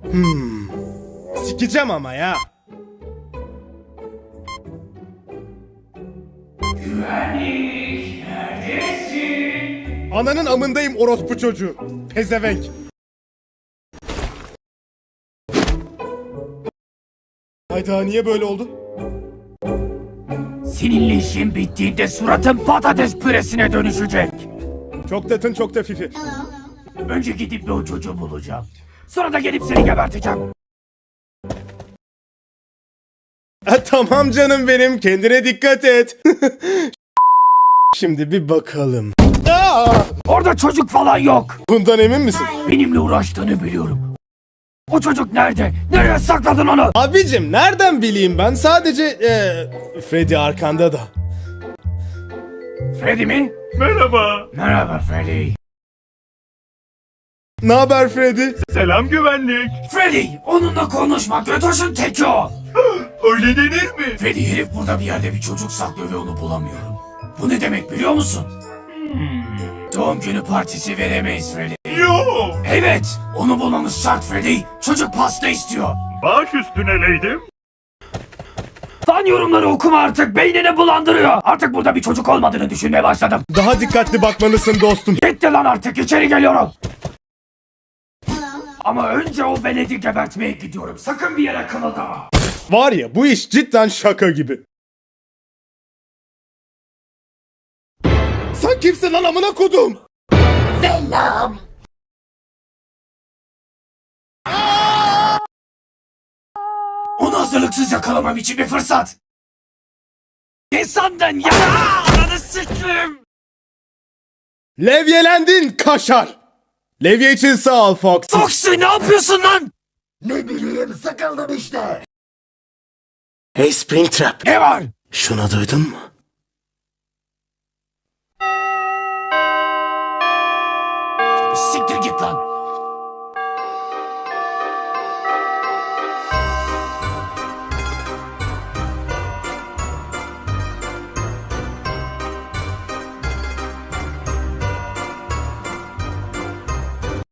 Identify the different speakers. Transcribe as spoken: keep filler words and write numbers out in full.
Speaker 1: Hmm. Sikeceğim ama ya.
Speaker 2: Güvenlik, neredesin?
Speaker 1: Ananın amındayım orospu çocuğu. Pezevenk. Hayda, niye böyle oldu?
Speaker 2: Seninle işin bittiğinde suratın patates püresine dönüşecek.
Speaker 1: Çok tatın çok da fifi.
Speaker 2: Önce gidip bir o çocuğu bulacağım. Sonra da gelip seni geberteceğim.
Speaker 1: Ha, tamam canım benim, kendine dikkat et. Şimdi bir bakalım. Aa!
Speaker 2: Orada çocuk falan yok.
Speaker 1: Bundan emin misin?
Speaker 2: Benimle uğraştığını biliyorum. O çocuk nerede? Nereye sakladın onu?
Speaker 1: Abicim nereden bileyim ben, sadece ee, Freddy arkanda da.
Speaker 2: Freddy mi?
Speaker 3: Merhaba.
Speaker 2: Merhaba Freddy.
Speaker 1: Ne haber Freddy?
Speaker 3: Selam güvenlik.
Speaker 2: Freddy, onunla konuşma. Götoş'un teki o.
Speaker 3: Öyle denir mi?
Speaker 2: Freddy, herif burada bir yerde bir çocuk saklıyor ve onu bulamıyorum. Bu ne demek biliyor musun? Doğum günü partisi veremeyiz Freddy.
Speaker 3: Yo.
Speaker 2: Evet, onu bulmamız şart Freddy. Çocuk pasta istiyor.
Speaker 3: Baş üstüne leydim.
Speaker 2: Fan yorumları okuma artık, beynini bulandırıyor. Artık burada bir çocuk olmadığını düşünmeye başladım.
Speaker 1: Daha dikkatli bakmalısın dostum.
Speaker 2: Gitti lan artık, içeri geliyorum. Ama önce o veledi gebertmeye gidiyorum. Sakın bir yere kımıldama.
Speaker 1: Var ya, bu iş cidden şaka gibi. Sen kimsin lan amına kodum?
Speaker 2: Selam. Onu hazırlıksız yakalamam için bir fırsat. İnsandan yana ananı sikrim.
Speaker 1: Levyelendin kaşar. Levye için sağ ol Fox.
Speaker 2: Foxy, ne yapıyorsun lan?
Speaker 4: Ne bileyim, sıkıldım işte.
Speaker 1: Hey Springtrap.
Speaker 2: Ne var?
Speaker 1: Şunu duydun mu?